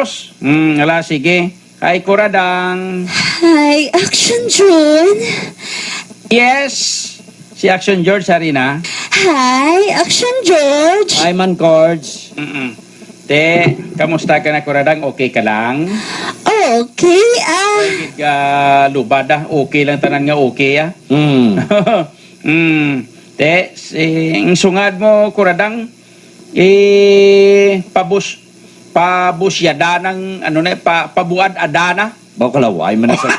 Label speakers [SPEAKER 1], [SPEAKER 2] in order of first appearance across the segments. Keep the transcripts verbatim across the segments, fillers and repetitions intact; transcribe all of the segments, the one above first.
[SPEAKER 1] Santos. Hmm, ala, sige. Kay Kuradang.
[SPEAKER 2] Hi, Action June.
[SPEAKER 1] Yes, si Action George Harina.
[SPEAKER 2] Hi, Action George.
[SPEAKER 3] Ay man, Cords.
[SPEAKER 1] Mm-mm. Te, kamusta ka na Kuradang? Okay ka lang?
[SPEAKER 2] Okay, ah.
[SPEAKER 1] Gid ka lubad ah. Okay lang tanan nga okay ah.
[SPEAKER 3] Hmm.
[SPEAKER 1] mm. Te, si, ang sungad mo Kuradang, eh, pabus, pabusyada ng, ano na, pa, pabuad adana.
[SPEAKER 3] Bakalaway man na sa...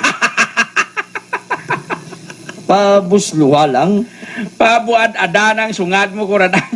[SPEAKER 3] Pabusluha lang.
[SPEAKER 1] Pabuad adana ang sungad mo Kuradang.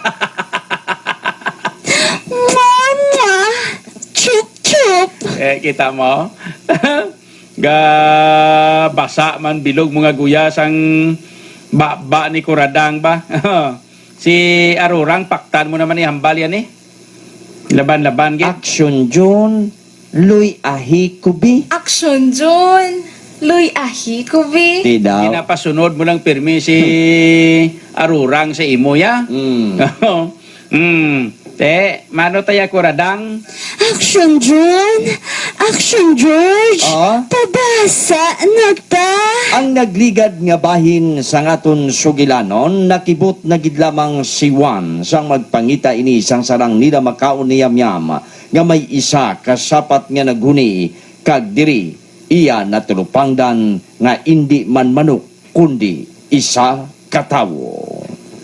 [SPEAKER 2] Mama. Chup, chup.
[SPEAKER 1] Eh, kita mo? Ga basa man bilog mga guyas ang ba, ni Kuradang ba? Si Arurang, paktan mo naman ni hambal yan eh. Laban-laban git.
[SPEAKER 3] Action John. Luy ahi kubi.
[SPEAKER 4] Action June. Luy ahi ko bi.
[SPEAKER 3] Di daw.
[SPEAKER 1] Pinapasunod mo lang pirmi si Arurang sa imo ya.
[SPEAKER 3] Hmm.
[SPEAKER 1] hmm. Te, mano taya Kuradang?
[SPEAKER 2] Action June. Action George.
[SPEAKER 3] Ah?
[SPEAKER 2] Pabasa na ta.
[SPEAKER 3] Ang nagligad nga bahin sa ngaton sugilanon, nakibot na gid lamang si Juan sang magpangita ini sang sarang nila makaon ni Yamyam nga may isa kasapat nga naghuni kag diri iya natulupangdan nga indi man manok kundi isa katawo.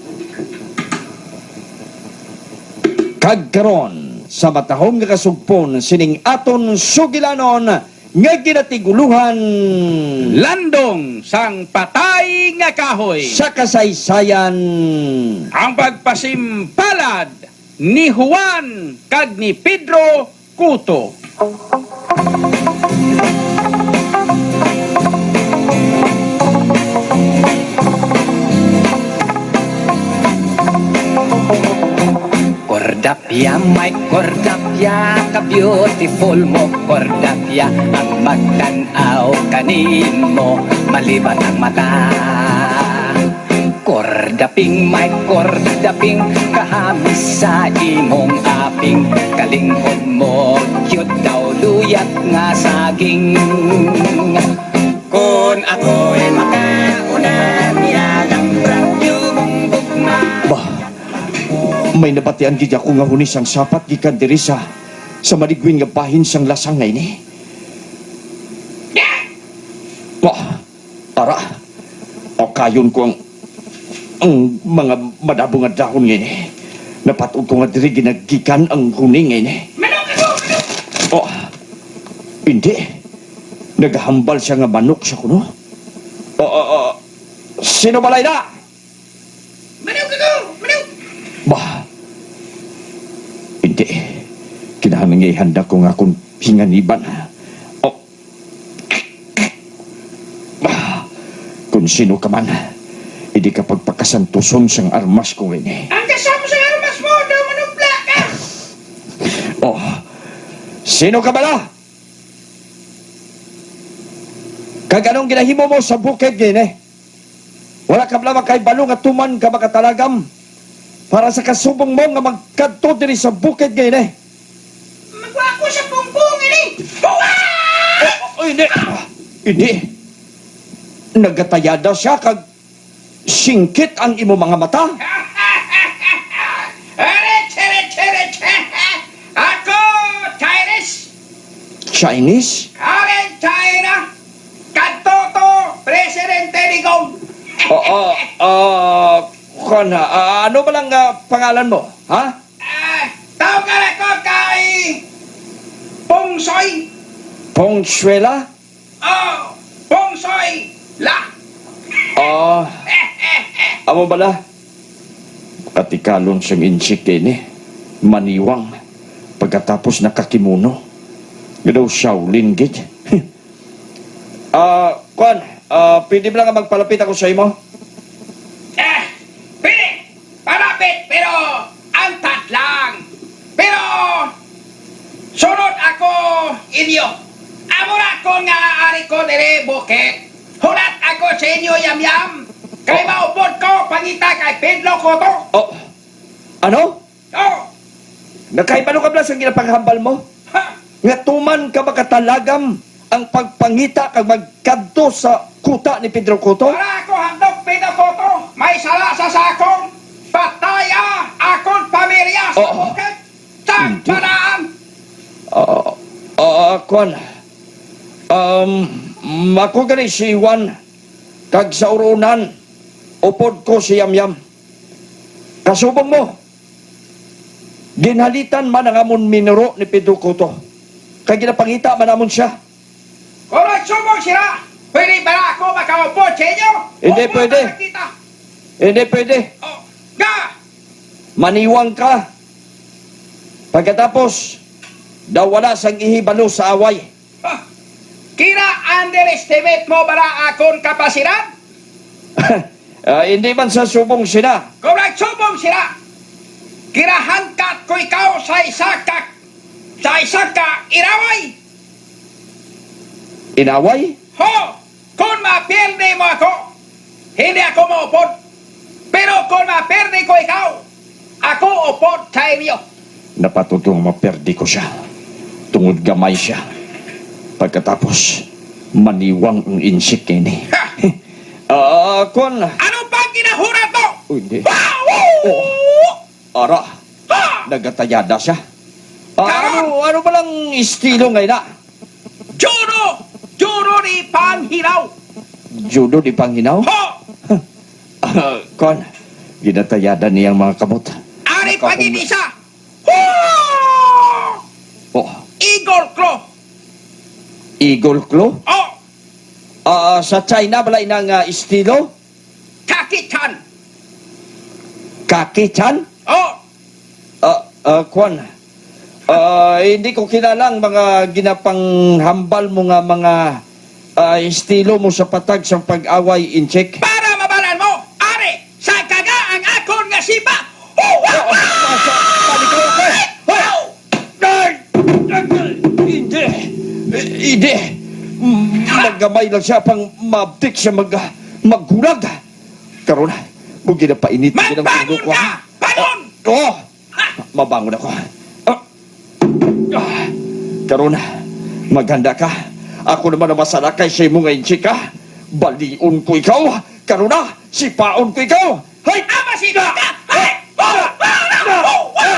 [SPEAKER 3] Kag karon sa matahong nga kasugpon sining aton sugilanon nga ginatiguluhan
[SPEAKER 1] Landong sang patay nga kahoy.
[SPEAKER 3] sa kasaysayan.
[SPEAKER 1] Ang pagpasimpalad ni Juan kag ni Pedro Cuto.
[SPEAKER 5] Cordapia, my Cordapia, ka-beautiful mo Cordapia, ang magtanaw kanin mo, maliban ang mata. Cordaping, my Cordaping, kahamis sa imong aping, kalingkod mo, cute daw luyat nga saging. Kung ako'y makauna, nilalang radyo mong bugma.
[SPEAKER 3] Bah, may nabatian gid ako nga hunis ang sapat gikan diri sa sa maligwin nga bahin sang lasang na ini. Bah, ara. O kayon ko ang ang mga madabong nga dahon ngayon. Napatog ko nga diri ginagikan ang huning ngayon. Oh, hindi. Naghambal siya nga manok sa kuno. Oh, oh, oh. Sino balay na? Bah, hindi. Kinahanglan nga ihanda ko nga akong hinganiban. Oh. Bah, kung sino ka man, hindi ka pagpakasantuson sang armas ko ngayon.
[SPEAKER 1] Ang kasama sa armas mo, daw manubla ka!
[SPEAKER 3] Oh, sino ka bala? Kag anong ginahimo mo sa bukid ngayon eh? Wala ka bala kay balong at tuman ka makatalagam para sa kasubong mo nga magkadto diri sa bukid ngayon eh.
[SPEAKER 1] Magwa ko sa pungbong ini! Buwa!
[SPEAKER 3] Oh, oh, hindi. Hindi. Nagatayada siya kag singkit ang imo mga mata.
[SPEAKER 1] Areche, areche, areche! Ako, Chinese!
[SPEAKER 3] Chinese?
[SPEAKER 1] Karen China! Katoto, Presidente Digong!
[SPEAKER 3] Oo, ah, kon, ah, ano ba lang ah, pangalan mo? Ha?
[SPEAKER 1] Ah, tawag ka na ko kay Pongsoy!
[SPEAKER 3] Pongsuela?
[SPEAKER 1] Oh, Pongsoy! La!
[SPEAKER 3] Ah, amo bala? Katikalon siyang insik din eh. Maniwang. Pagkatapos nakakimuno. Gadaw Shaolin gid. Ah, kon, ah, pwede ba lang nga magpalapit ako sa imo?
[SPEAKER 1] Eh, pili! Palapit, pero antat lang! Pero, sunod ako inyo. Amo na ko nga ari ko dire bukit. Hulat ako sa inyo yam-yam. Kay maupod ko, pangita kay Pedro Cotto.
[SPEAKER 3] Oh, ano?
[SPEAKER 1] Oh,
[SPEAKER 3] Nakaibalo ka ba sa ginapaghambal mo?
[SPEAKER 1] ha,
[SPEAKER 3] nga tuman ka makatalagam ang pagpangita kag magkadto sa kuta ni Pedro Cotto?
[SPEAKER 1] Para ako handog pinapoto, may sala sa sakong pataya akong pamilya sa
[SPEAKER 3] Oo.
[SPEAKER 1] bukid. Sa
[SPEAKER 3] Hindi.
[SPEAKER 1] panaan.
[SPEAKER 3] Ah, ah, kwan. Um, ako gani si Juan, kag sa urunan, upod ko si Yamyam. Kasubong mo, ginhalitan man ang amon minuro ni Pedro Cotto. Kag ginapangita man amon siya.
[SPEAKER 1] Kung nagsubong sila, pwede ba na ako makaupo sa inyo?
[SPEAKER 3] Hindi
[SPEAKER 1] Upo
[SPEAKER 3] pwede.
[SPEAKER 1] ka nakita.
[SPEAKER 3] Hindi pwede.
[SPEAKER 1] Oh, ga!
[SPEAKER 3] Maniwang ka. Pagkatapos, daw wala sang ihibalo sa away.
[SPEAKER 1] Ah, kina underestimate mo ba na akong kapasidad?
[SPEAKER 3] Ah, hindi man sa subong sina.
[SPEAKER 1] Kung nagsubong sila, kinahangkat ko ikaw sa isa ka, sa isa ka iraway.
[SPEAKER 3] Inaway?
[SPEAKER 1] Ho! Kung mapirde mo ako, hindi ako maupod. Pero kung mapirde ko ikaw, ako upod sa inyo.
[SPEAKER 3] Napatutong maperdi ko siya. Tungod gamay siya. Pagkatapos, maniwang ang insik ini.
[SPEAKER 1] Ha!
[SPEAKER 3] Ah, kon.
[SPEAKER 1] Ano bang ginahurat mo?
[SPEAKER 3] Uy, hindi.
[SPEAKER 1] Wow!
[SPEAKER 3] Ara,
[SPEAKER 1] Ha!
[SPEAKER 3] nagatayada siya. Ah, ano, ano ba lang estilo ngayon na?
[SPEAKER 1] Judo! Judo ni Panghiraw!
[SPEAKER 3] Judo di Panginaw?
[SPEAKER 1] Ho!
[SPEAKER 3] Ah, kon, ginatayada niyang mga kamot.
[SPEAKER 1] Ari
[SPEAKER 3] Nakahum-
[SPEAKER 1] paginisa! Ho!
[SPEAKER 3] Oh,
[SPEAKER 1] Igor Klo!
[SPEAKER 3] Eagle Claw?
[SPEAKER 1] Oh!
[SPEAKER 3] Ah, sa China balay ng ah, estilo?
[SPEAKER 1] Kakichan!
[SPEAKER 3] Kaki-chan?
[SPEAKER 1] Oh!
[SPEAKER 3] Ah, ah, kwan. Ah, hindi ko kilalang mga ginapanghambal mo nga mga ah, estilo mo sa patag sa pag-away in check.
[SPEAKER 1] Para mabalan mo, Ari, sa kaga ang akon nga sipa! Ho! Wow!
[SPEAKER 3] Hindi. Eh, Hindi. Mm, Maggamay lang siya pang mabtik siya mag, maggulag. Karon, kung ginapainit ng
[SPEAKER 1] Magbangon
[SPEAKER 3] ulo ko.
[SPEAKER 1] ka! Bangon!
[SPEAKER 3] Oo! Mabangon ako. Ah. Ah. Karon, maghanda ka. Ako naman ang masalakay sa imo ngayon, chika. Baliun ko ikaw. Karon na, sipaon ko ikaw. Hay!
[SPEAKER 1] Ama si ka! Hey! Ho! Ho! Ho!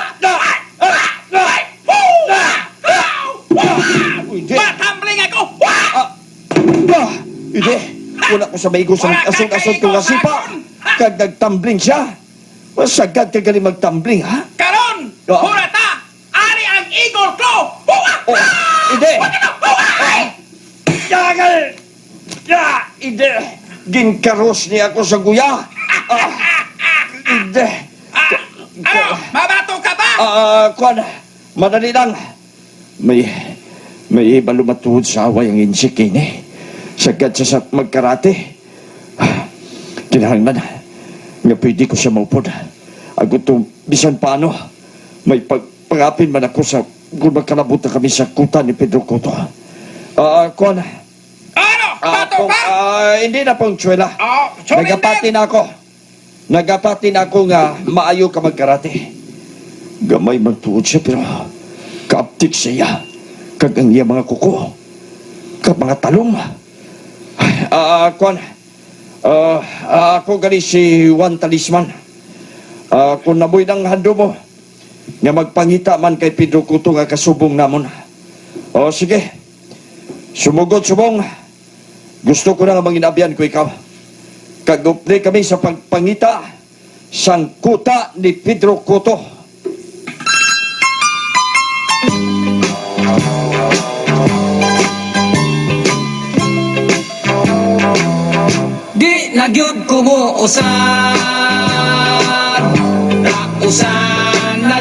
[SPEAKER 3] Hindi.
[SPEAKER 1] Matambling ako! Wow!
[SPEAKER 3] Ah, ah, hindi. Wala ko sa maigo sa
[SPEAKER 1] Wala kang
[SPEAKER 3] asong-asong kong
[SPEAKER 1] kaigo,
[SPEAKER 3] asipa.
[SPEAKER 1] Bakon.
[SPEAKER 3] Kag nagtumbling siya. Masagad ka galing magtumbling, ha?
[SPEAKER 1] Karon!
[SPEAKER 3] Ah.
[SPEAKER 1] Hurata! Ari ang Igor Klo! Huwa!
[SPEAKER 3] Oh, hindi.
[SPEAKER 1] Huwa!
[SPEAKER 3] Yagal! Ya, hindi. Ginkaros niya ako sa guya. Ah, hindi.
[SPEAKER 1] Ah, ano? Mabato ka ba?
[SPEAKER 3] Ah, kwan. Madali lang. May, may iba lumatuhod sa away ang insik ini. Sagad siya sa magkarate. Ah, kinahanglan nga pwede ko siya maupod. Ako to, bisan paano, may pagpangapin man ako sa kung magkalabot na kami sa kuta ni Pedro Cotto. Ah, kwan.
[SPEAKER 1] Ano?
[SPEAKER 3] Ah,
[SPEAKER 1] Bato
[SPEAKER 3] kung,
[SPEAKER 1] ka?
[SPEAKER 3] ah, hindi na pong tswela.
[SPEAKER 1] Oh, surrender!
[SPEAKER 3] Nagapati na ako. Nagapati na ako nga maayo ka magkarate. Gamay man tuod siya pero kaaptik siya. Kag ang iya mga kuko. Kag mga talong. Ah, uh, kwan. Ah, ah, ako gali si Juan Talisman. Ah, kung naboy ng hando mo, nga magpangita man kay Pedro Cotto nga kasubong namon. O sige, sumugod subong. Gusto ko na nga manginabyan ko ikaw. Kagupli kami sa pagpangita sang kuta ni Pedro Cotto.
[SPEAKER 5] Di nagyud ko mo usan na usan na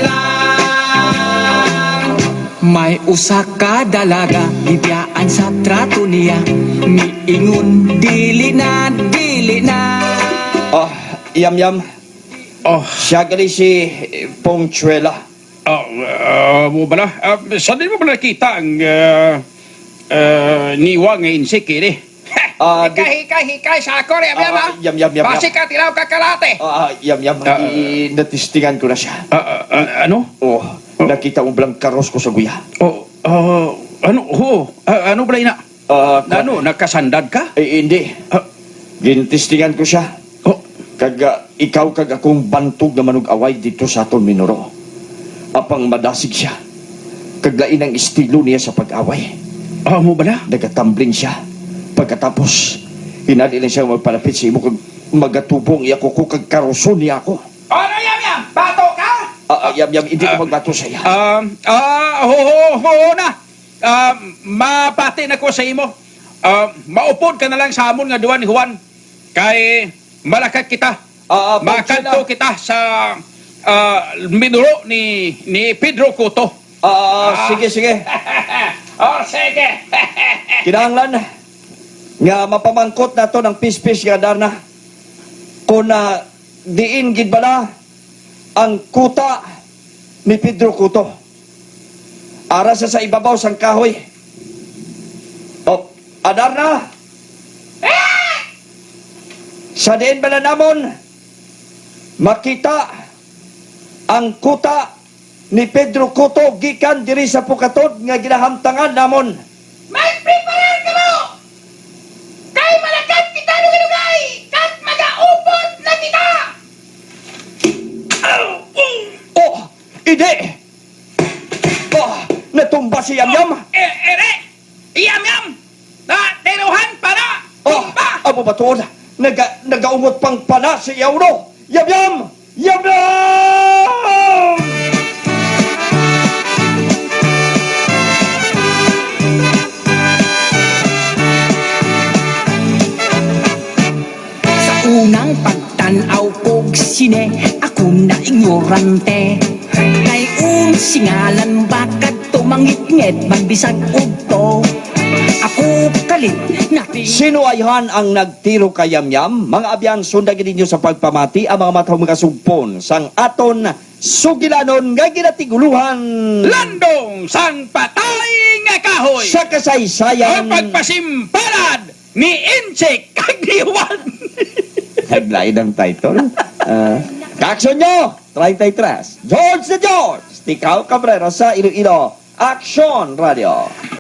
[SPEAKER 5] lang. May usa ka dalaga gibiyaan sa trato niya. Miingon dili na dili na.
[SPEAKER 3] Ah, yam yam.
[SPEAKER 1] Oh,
[SPEAKER 3] Siya gali si Pongchuela.
[SPEAKER 1] oh, uh, mo ba na? Uh, saan din mo ba nakita ang uh, uh, niwa nga insik ini?
[SPEAKER 3] Ah, di-
[SPEAKER 1] hikay, hikay, hikay sa ako rin,
[SPEAKER 3] Ah, yam, yam, yam,
[SPEAKER 1] Basi
[SPEAKER 3] yam.
[SPEAKER 1] ka, tilaw ka kalate.
[SPEAKER 3] Ah, yam yam.
[SPEAKER 1] Ah,
[SPEAKER 3] I- natistingan ko na siya.
[SPEAKER 1] Ah, ah, ah, ano?
[SPEAKER 3] Oh, nakita mo blang karos ko sa guya.
[SPEAKER 1] Oh, oh, Ano? Oo. Ah, ano pala ina?
[SPEAKER 3] Ah,
[SPEAKER 1] Ano? Nakasandad ka?
[SPEAKER 3] Eh, hindi.
[SPEAKER 1] Ah,
[SPEAKER 3] Gintistingan ko siya.
[SPEAKER 1] oh,
[SPEAKER 3] Kaga ikaw kag akong bantog na manug-away dito sa aton Minoro. Apang madasig siya. Kaglain ang estilo niya sa pag-away.
[SPEAKER 1] ah, mo bala?
[SPEAKER 3] Nagatambling siya. Pagkatapos, hinali lang siya magpalapit sa imo kag magatubong iya ko ko kag karuson niya ako.
[SPEAKER 1] Ano yam yam? Bato ka?
[SPEAKER 3] Ah, ah, yam, yam, hindi ko magbato sa iya.
[SPEAKER 1] Um, ah, ho, ho, ho na. Ah, mapati na ko sa imo. Ah, maupod ka na lang sa amon nga duwan ni Juan. Kay malakat kita.
[SPEAKER 3] Ah, ah,
[SPEAKER 1] Makanto kita sa ah, minuro ni ni Pedro Cotto.
[SPEAKER 3] Ah, ah, sige, sige.
[SPEAKER 1] Oh, sige.
[SPEAKER 3] Kinahanglan nga mapamangkot na to ng pispis nga darna. Kung na diin gid bala ang kuta ni Pedro Cotto. Ara sa sa ibabaw sang kahoy. Oh, adarna. Sa diin bala namon makita ang kuta ni Pedro Cotto gikan diri sa Pukatod nga ginahamtangan namon.
[SPEAKER 1] Mag-prepare ka mo! Kay malakat kita lugalugay! Kat mag-aupod na kita!
[SPEAKER 3] Oh, ide! Oh, natumba si Yamyam!
[SPEAKER 1] Eh, ere! Iyam-yam! Na, teruhan para!
[SPEAKER 3] Oh,
[SPEAKER 1] Tumba!
[SPEAKER 3] abo ba tuod? Naga, nagaumot pang pana si Yauro! Yamyam! Yamyam!
[SPEAKER 5] Sa unang pagtanaw kog sine, ako na ignorante. Kay un singalan bakad tumangit-ngit magbisag ugto. Ako kalit na
[SPEAKER 3] Sino ayhan ang nagtiro kay Yamyam? Mga abyan, sundagin ninyo sa pagpamati ang mga matang mga sugpon sang aton sugilanon nga ginatiguluhan
[SPEAKER 1] Landong sang patay nga kahoy!
[SPEAKER 3] sa kasaysayan.
[SPEAKER 1] Ang pagpasimpalad ni Inchik kag ni Juan!
[SPEAKER 3] Taglain ang title. Uh, Kaksyon nyo! treinta y tres. George the George! Tikaw Cabrera sa Iloilo. Action Radio.